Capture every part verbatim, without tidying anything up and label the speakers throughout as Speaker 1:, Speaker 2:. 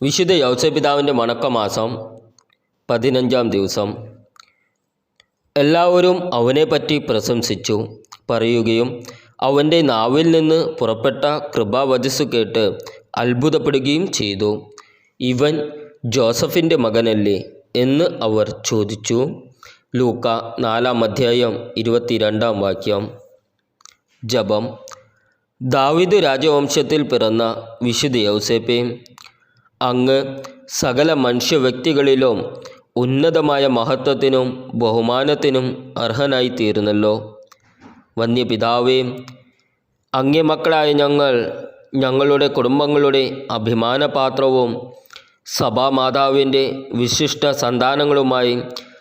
Speaker 1: വിശുദ്ധ യൗസേപ്പിതാവിൻ്റെ വണക്കമാസം പതിനഞ്ചാം ദിവസം. എല്ലാവരും അവനെപ്പറ്റി പ്രശംസിച്ചു പറയുകയും അവൻ്റെ നാവിൽ നിന്ന് പുറപ്പെട്ട കൃപാവചസ്സു കേട്ട് അത്ഭുതപ്പെടുകയും ചെയ്തു. ഇവൻ ജോസഫിൻ്റെ മകനല്ലേ എന്ന് അവർ ചോദിച്ചു. ലൂക്ക നാലാം അധ്യായം ഇരുപത്തിരണ്ടാം വാക്യം. ജപം. ദാവീദ് രാജവംശത്തിൽ പിറന്ന വിശുദ്ധ യൗസേപ്പേ, അങ്ങ് സകല മനുഷ്യ വ്യക്തികളിലും ഉന്നതമായ മഹത്വത്തിനും ബഹുമാനത്തിനും അർഹനായിത്തീർന്നല്ലോ. വന്യപിതാവേ, അങ്ങേ മക്കളായ ഞങ്ങൾ ഞങ്ങളുടെ കുടുംബങ്ങളുടെ അഭിമാനപാത്രവും സഭാമാതാവിൻ്റെ വിശിഷ്ട സന്താനങ്ങളുമായി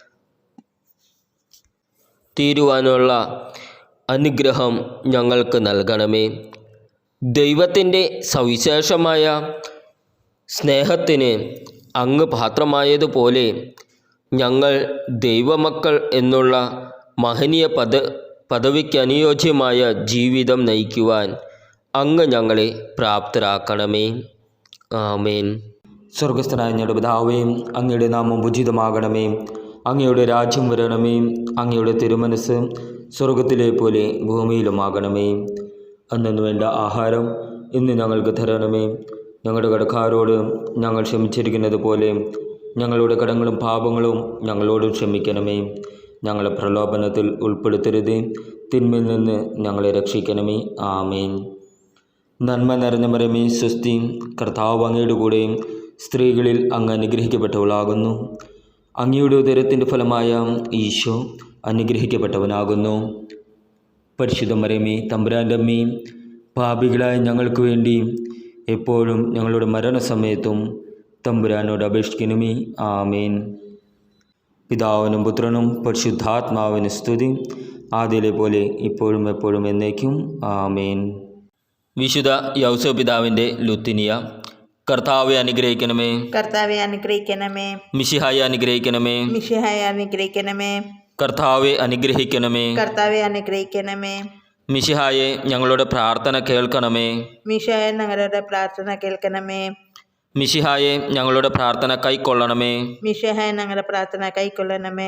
Speaker 1: തീരുവാനുള്ള അനുഗ്രഹം ഞങ്ങൾക്ക് നൽകണമേ. ദൈവത്തിൻ്റെ സവിശേഷമായ സ്നേഹത്തിന് അങ്ങ് പാത്രമായതുപോലെ ഞങ്ങൾ ദൈവമക്കൾ എന്നുള്ള മഹനീയ പദ പദവിക്ക് അനുയോജ്യമായ ജീവിതം നയിക്കുവാൻ അങ്ങ് ഞങ്ങളെ പ്രാപ്തരാക്കണമേ. ആമേൻ.
Speaker 2: സ്വർഗസ്ഥനായ ഞങ്ങളുടെ പിതാവേ, അങ്ങയുടെ നാമം ഉചിതമാകണമേ. അങ്ങയുടെ രാജ്യം വരണമേ. അങ്ങയുടെ തിരുമനസ് സ്വർഗത്തിലെ പോലെ ഭൂമിയിലുമാകണമേ. അന്നു വേണ്ട ആഹാരം ഇന്ന് ഞങ്ങൾക്ക് തരണമേ. ഞങ്ങളുടെ കടക്കാരോട് ഞങ്ങൾ ക്ഷമിച്ചിരിക്കുന്നത് പോലെ ഞങ്ങളുടെ കടങ്ങളും പാപങ്ങളും ഞങ്ങളോടും ക്ഷമിക്കണമേ. ഞങ്ങളെ പ്രലോഭനത്തിൽ ഉൾപ്പെടുത്തരുത്, തിന്മയിൽ നിന്ന് ഞങ്ങളെ രക്ഷിക്കണമേ. ആമേൻ. നന്മ നിറഞ്ഞ മറിയമേ, സ്വസ്തി, കർത്താവ് അങ്ങയുടെ കൂടെ സ്ത്രീകളിൽ അങ്ങ് അനുഗ്രഹിക്കപ്പെട്ടവളാകുന്നു. അങ്ങയുടെ ഉദരത്തിൻ്റെ ഫലമായ ഈശോ അനുഗ്രഹിക്കപ്പെട്ടവനാകുന്നു. പരിശുദ്ധ മറിയമേ, തമ്പുരാൻ്റെ അമ്മേ, പാപികളായ ഞങ്ങൾക്ക് വേണ്ടി എപ്പോഴും ഞങ്ങളുടെ മരണസമയത്തും തമ്പുരാനോട് അപേക്ഷിക്കണമേ. ആമേൻ. പിതാവിനും പുത്രനും പരിശുദ്ധാത്മാവിന് സ്തുതി, ആദ്യയിലെ പോലെ ഇപ്പോഴും എപ്പോഴും എന്നേക്കും. ആമേൻ.
Speaker 1: വിശുദ്ധ യൗസേപ്പിതാവിൻ്റെ ലുത്തിനിയ. കർത്താവെ അനുഗ്രഹിക്കണമേ.
Speaker 3: കർത്താവെ അനുഗ്രഹിക്കണമേ.
Speaker 1: മിശിഹായെ അനുഗ്രഹിക്കണമേ.
Speaker 3: മിശിഹായെ അനുഗ്രഹിക്കണമേ.
Speaker 1: കർത്താവെ അനുഗ്രഹിക്കണമേ.
Speaker 3: കർത്താവെ അനുഗ്രഹിക്കണമേ.
Speaker 1: മിശിഹായെ ഞങ്ങളുടെ പ്രാർത്ഥന കേൾക്കണമേ.
Speaker 3: മിശിഹായെ ഞങ്ങളുടെ പ്രാർത്ഥന കേൾക്കണമേ.
Speaker 1: മിശിഹായെ ഞങ്ങളുടെ പ്രാർത്ഥന കൈക്കൊള്ളണമേ.
Speaker 3: മിശിഹായെ ഞങ്ങളുടെ പ്രാർത്ഥന കൈക്കൊള്ളണമേ.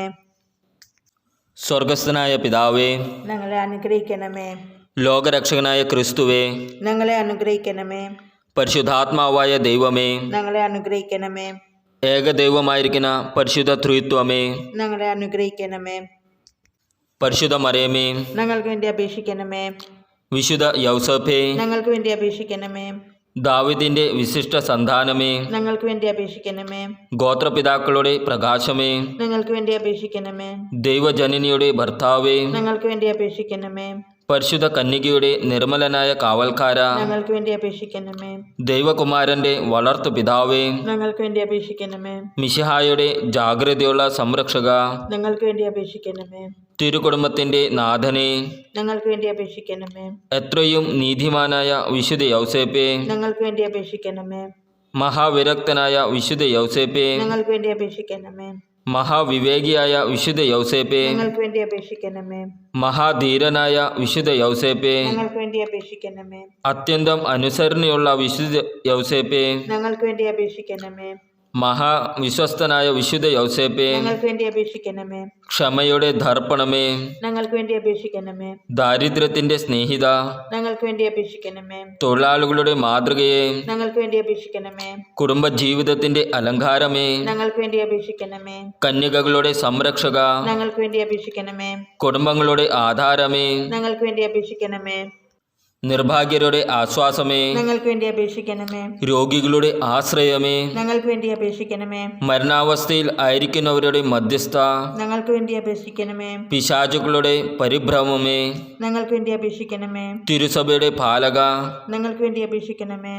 Speaker 1: സ്വർഗസ്ഥനായ പിതാവേ,
Speaker 3: ഞങ്ങളെ അനുഗ്രഹിക്കണമേ.
Speaker 1: ലോകരക്ഷകനായ ക്രിസ്തുവേ,
Speaker 3: ഞങ്ങളെ അനുഗ്രഹിക്കണമേ.
Speaker 1: പരിശുദ്ധാത്മാവായ ദൈവമേ,
Speaker 3: ഞങ്ങളെ അനുഗ്രഹിക്കണമേ.
Speaker 1: ഏകദൈവമായിരിക്കുന്ന പരിശുദ്ധ ത്രിത്വമേ,
Speaker 3: ഞങ്ങളെ അനുഗ്രഹിക്കണമേ.
Speaker 1: പരിശുദ്ധ മറിയമേ,
Speaker 3: ഞങ്ങൾക്ക് വേണ്ടി അപേക്ഷിക്കണമേ.
Speaker 1: വിശുദ്ധ യൗസേപ്പേ,
Speaker 3: ഞങ്ങൾക്ക് വേണ്ടി അപേക്ഷിക്കണമേ.
Speaker 1: ദാവീദിന്റെ വിശിഷ്ട സന്താനമേ,
Speaker 3: ഞങ്ങൾക്ക് വേണ്ടി അപേക്ഷിക്കണമേ.
Speaker 1: ഗോത്രപിതാക്കളുടെ പ്രകാശമേ,
Speaker 3: ഞങ്ങൾക്ക് വേണ്ടി അപേക്ഷിക്കണമേ.
Speaker 1: ദൈവജനനിയുടെ ഭർത്താവേ,
Speaker 3: ഞങ്ങൾക്ക് വേണ്ടി അപേക്ഷിക്കണമേ.
Speaker 1: പരിശുദ്ധ കന്യകയുടെ നിർമ്മലനായ കാവൽക്കാര,
Speaker 3: ഞങ്ങൾക്ക് വേണ്ടി അപേക്ഷിക്കണമേ.
Speaker 1: ദൈവകുമാരന്റെ വളർത്തു പിതാവേ,
Speaker 3: ഞങ്ങൾക്ക് വേണ്ടി അപേക്ഷിക്കണമേ.
Speaker 1: മിശിഹായുടെ ജാഗ്രതയുള്ള സംരക്ഷക,
Speaker 3: ഞങ്ങൾക്ക് വേണ്ടി അപേക്ഷിക്കണമേ.
Speaker 1: തിരുകുടുംബത്തിന്റെ നാഥനെ,
Speaker 3: ഞങ്ങൾക്ക് വേണ്ടി അപേക്ഷിക്കണമേ.
Speaker 1: എത്രയും നീതിമാനായ വിശുദ്ധ യൗസേപ്പേ,
Speaker 3: ഞങ്ങൾക്ക് വേണ്ടി അപേക്ഷിക്കണമേ.
Speaker 1: മഹാവിരക്തനായ വിശുദ്ധ യൗസേപ്പേ,
Speaker 3: ഞങ്ങൾക്ക് വേണ്ടി അപേക്ഷിക്കണമേ.
Speaker 1: മഹാവിവേകിയായ വിശുദ്ധ യൗസേപ്പേ,
Speaker 3: ഞങ്ങൾക്ക് വേണ്ടി അപേക്ഷിക്കണമേ.
Speaker 1: മഹാധീരനായ വിശുദ്ധ യൗസേപ്പേ,
Speaker 3: ഞങ്ങൾക്ക് വേണ്ടി അപേക്ഷിക്കണമേ.
Speaker 1: അത്യന്തം അനുസരണയുള്ള വിശുദ്ധ യൗസേപ്പേ,
Speaker 3: ഞങ്ങൾക്ക് വേണ്ടി അപേക്ഷിക്കണമേ.
Speaker 1: മഹാവിശ്വസ്തനായ വിശുദ്ധ യൗസേപ്പേ,
Speaker 3: ഞങ്ങൾക്ക് വേണ്ടി അപേക്ഷിക്കണമേ.
Speaker 1: ക്ഷമയുടെ ദർപ്പണമേ,
Speaker 3: ഞങ്ങൾക്ക് വേണ്ടി അപേക്ഷിക്കണമേ.
Speaker 1: ദാരിദ്ര്യത്തിന്റെ സ്നേഹിത,
Speaker 3: ഞങ്ങൾക്ക് വേണ്ടി അപേക്ഷിക്കണമേ.
Speaker 1: തൊഴിലാളികളുടെ മാതൃകയെ,
Speaker 3: ഞങ്ങൾക്ക് വേണ്ടി അപേക്ഷിക്കണമേ.
Speaker 1: കുടുംബജീവിതത്തിന്റെ അലങ്കാരമേ,
Speaker 3: ഞങ്ങൾക്ക് വേണ്ടി അപേക്ഷിക്കണമേ.
Speaker 1: കന്യകകളുടെ സംരക്ഷക,
Speaker 3: ഞങ്ങൾക്ക് വേണ്ടി അപേക്ഷിക്കണമേ.
Speaker 1: കുടുംബങ്ങളുടെ ആധാരമേ,
Speaker 3: ഞങ്ങൾക്ക് വേണ്ടി അപേക്ഷിക്കണമേ.
Speaker 1: നിർഭാഗ്യരുടെ ആശ്വാസമേ,
Speaker 3: ഞങ്ങൾക്ക് വേണ്ടി അപേക്ഷിക്കണമേ.
Speaker 1: രോഗികളുടെ ആശ്രയമേ,
Speaker 3: ഞങ്ങൾക്ക് വേണ്ടി അപേക്ഷിക്കണമേ.
Speaker 1: മരണാവസ്ഥയിൽ ആയിരിക്കുന്നവരുടെ മധ്യസ്ഥ,
Speaker 3: ഞങ്ങൾക്ക് വേണ്ടി അപേക്ഷിക്കണമേ.
Speaker 1: പിശാചുക്കളുടെ പരിഭ്രമമേ,
Speaker 3: ഞങ്ങൾക്ക് വേണ്ടി അപേക്ഷിക്കണമേ.
Speaker 1: തിരുസഭയുടെ പാലക,
Speaker 3: ഞങ്ങൾക്ക് വേണ്ടി അപേക്ഷിക്കണമേ.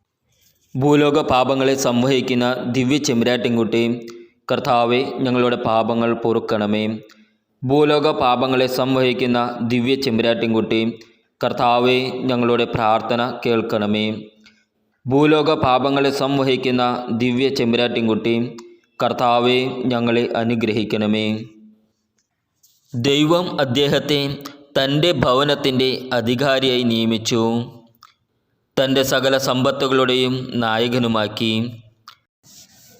Speaker 1: ഭൂലോക പാപങ്ങളെ സംവഹിക്കുന്ന ദിവ്യ ചെമ്പരാട്ടിൻകുട്ടി, കർത്താവെ ഞങ്ങളുടെ പാപങ്ങൾ പൊറുക്കണമേ. ഭൂലോക പാപങ്ങളെ സംവഹിക്കുന്ന ദിവ്യ ചെമ്പരാട്ടിൻകുട്ടി, കർത്താവെ ഞങ്ങളുടെ പ്രാർത്ഥന കേൾക്കണമേ. ഭൂലോക പാപങ്ങളെ സംവഹിക്കുന്ന ദിവ്യ ചെമ്പരാട്ടിൻകുട്ടി, കർത്താവെ ഞങ്ങളെ അനുഗ്രഹിക്കണമേ. ദൈവം അദ്ദേഹത്തെ തൻ്റെ ഭവനത്തിൻ്റെ അധികാരിയായി നിയമിച്ചു, തൻ്റെ സകല സമ്പത്തുകളുടെയും നായകനുമാക്കി.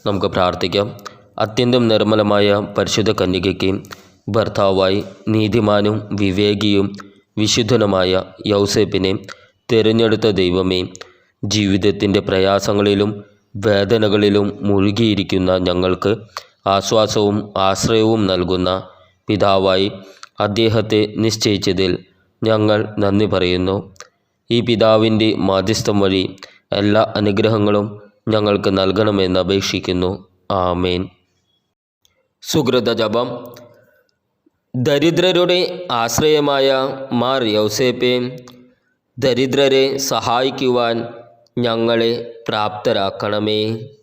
Speaker 1: നമുക്ക് പ്രാർത്ഥിക്കാം. അത്യന്തം നിർമ്മലമായ പരിശുദ്ധ കന്യകയ്ക്ക് ഭർത്താവായി നീതിമാനും വിവേകിയും വിശുദ്ധനുമായ യൗസേപ്പിനെ തിരഞ്ഞെടുത്ത ദൈവമേ, ജീവിതത്തിൻ്റെ പ്രയാസങ്ങളിലും വേദനകളിലും മുഴുകിയിരിക്കുന്ന ഞങ്ങൾക്ക് ആശ്വാസവും ആശ്രയവും നൽകുന്ന പിതാവായി അദ്ദേഹത്തെ നിശ്ചയിച്ചതിൽ ഞങ്ങൾ നന്ദി പറയുന്നു. ഈ പിതാവിൻ്റെ മാധ്യസ്ഥം വഴി എല്ലാ അനുഗ്രഹങ്ങളും ഞങ്ങൾക്ക് നൽകണമെന്ന് അപേക്ഷിക്കുന്നു. ആമേൻ. സുകൃത ജപം. ദരിദ്രരുടെ ആശ്രയമായ മാർ യൗസേപ്പേ, ദരിദ്രരെ സഹായിക്കുവാൻ ഞങ്ങളെ പ്രാപ്തരാക്കണമേ.